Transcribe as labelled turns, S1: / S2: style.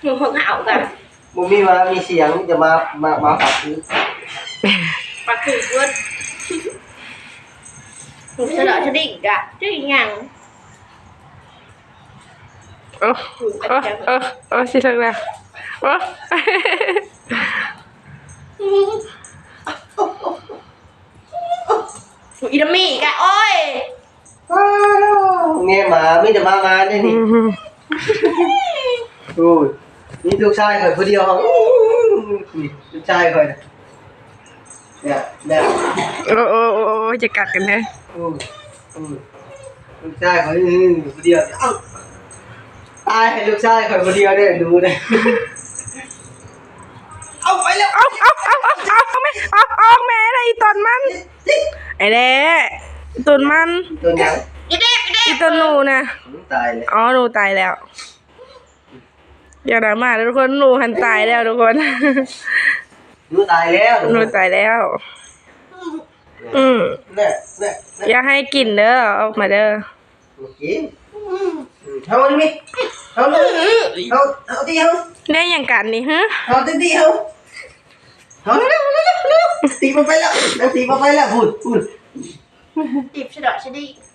S1: มึงคงเหากัน
S2: มึงมีมามีเสียงจะมาปักคือ
S1: ปักคือเพื่อนหนูเสนอฉันดิ่งกะจะยัง
S3: สิทักแล้ว
S1: อีดามี่กะโอ้ย
S2: เนี่ยมาไม่จะมาเนี่ยนี่ดูนี่ลูกชายเคยคนเดียวเขาลูกชายเคยเนี่ย
S3: โอ้จะกัดกันเลย
S2: ลูกชายเคยคนเดียวเอ้าตายให้ลูกชายเคยคนเดียวเนี่ยดูเลยเอาไปแล้ว
S3: เอาแม่อะไรตอนมันไอ้เด้ตอนมัน
S2: ตัวยัง
S3: อีตอนหนูนะ
S2: ตายเลย
S3: หนูตายแล้วอย่าด่ามาทุกคนหนูหันตายแล้วทุกคน
S2: หนูตายแล้วเนี่ย
S3: อย่าให้กินเด้อออกมาเด้อ
S2: กินเอาดิมิเอาตีเอา
S3: ได้อย่างกันนี่ฮะ
S2: เอาตีเอาเร็วตีมาไปแล้วตีมาไปแล้วพูด
S1: จีบฉลาดชดี